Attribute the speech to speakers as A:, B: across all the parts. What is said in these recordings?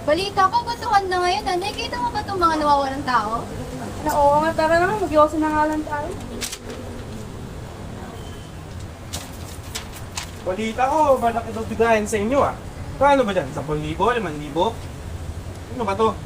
A: Balita ko, gutuhan na ngayon. Nakikita mo ba itong mga nawawalang tao?
B: Oo nga, tara naman, mag-iwasan na nga lang tayo.
C: Balita ko, malaki daw bigayan sa inyo ah. Paano ba dyan? 10,000? 5,000? Ano ba to?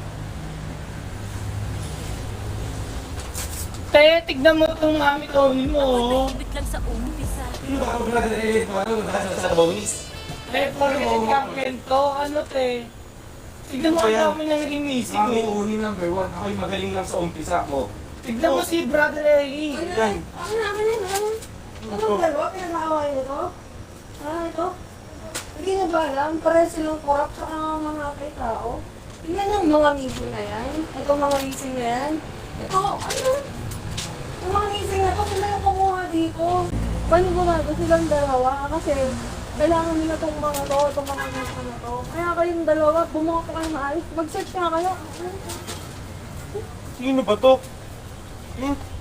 D: Te, tignan mo itong mami Tony mo.
E: Ibit lang sa umpisa.
C: Sino ba ako sa bonus?
D: Te, pag-iit ka kwento, ano te? Tignan mo
C: Ano ba yan?
D: ang dami ng naging missing
C: Mami,
D: mo.
C: uni number 1. Ako'y magaling lang sa umpisa ko.
D: Tignan mo si Brother Eri.
C: Yan.
B: Anong dalawa? Pinag-aaway nito? Ito? Hindi na ba alam? Pares silang korap sa mga tao. Tingnan ang mga amigo na yan. Ito mga leasing na yan. Ito, ano? Yung mga leasing na to, sila yung kumuha dito. Paano gumago silang dalawa? Kasi kailangan nila itong mga to, itong mga leasing na to. Kaya kayong dalawa, bumuha pa kayo maayos. Mag-search nga kayo.
C: Sino ba to? Hmm?